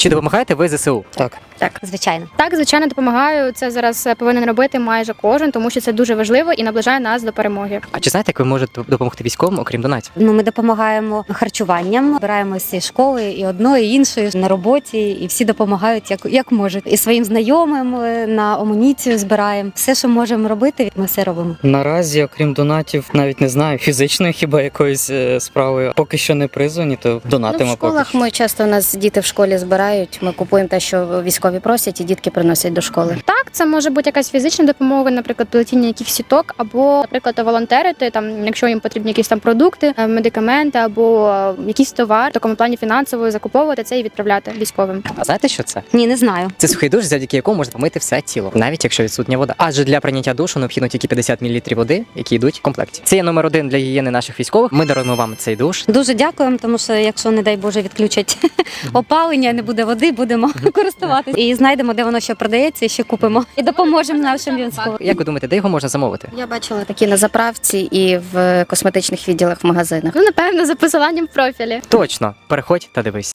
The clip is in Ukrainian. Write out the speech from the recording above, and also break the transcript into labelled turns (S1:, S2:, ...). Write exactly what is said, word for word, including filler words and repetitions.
S1: Чи допомагаєте ви ЗСУ?
S2: Так.
S3: Так, звичайно.
S4: Так, звичайно, допомагаю. Це зараз повинен робити майже кожен, тому що це дуже важливо і наближає нас до перемоги.
S1: А чи знаєте, як ви можете допомогти військовим, окрім донатів?
S3: Ну, ми допомагаємо харчуванням, збираємо всі школи і одної, і іншої на роботі, і всі допомагають як, як можуть. І своїм знайомим е, на амуніцію збираємо. Все, що можемо робити, ми все робимо.
S2: Наразі, окрім донатів, навіть не знаю, фізичної хіба якоїсь е, справи. Поки що не призвані, то донатимо
S5: Ну, в
S2: поки
S5: школах
S2: що.
S5: ми часто у нас діти в школі збирають. Ми купуємо те, що військові просять, і дітки приносять до школи.
S4: Так, це може бути якась фізична допомога, наприклад, плетіння якихось сіток, або, наприклад, волонтерити, там, якщо їм потрібні якісь там продукти, е, медикаменти або е, якийсь товар, в такому плані фінансово закуповувати це і відправляти військовим.
S1: А знаєте, що це?
S3: Ні, не знаю.
S1: Це сухий душ, завдяки якому можна помити все тіло, навіть якщо відсутня вода. Адже для прийняття душу необхідно тільки п'ятдесят мілілітрів води, які йдуть в комплекті. Це є номер один для гігієни наших військових. Ми даруємо вам цей душ.
S3: Дуже дякуємо, тому що якщо, не дай Боже, відключать опалення, не буде води, будемо користуватися. І знайдемо, де воно ще продається, і ще купимо. І допоможемо нашим військовим.
S1: Як ви думаєте, де його можна замовити?
S5: Я бачила такі на заправці і в косметичних відділах в магазинах.
S4: Ну, напевно, за посиланням в профілі.
S1: Точно, переходь та дивись.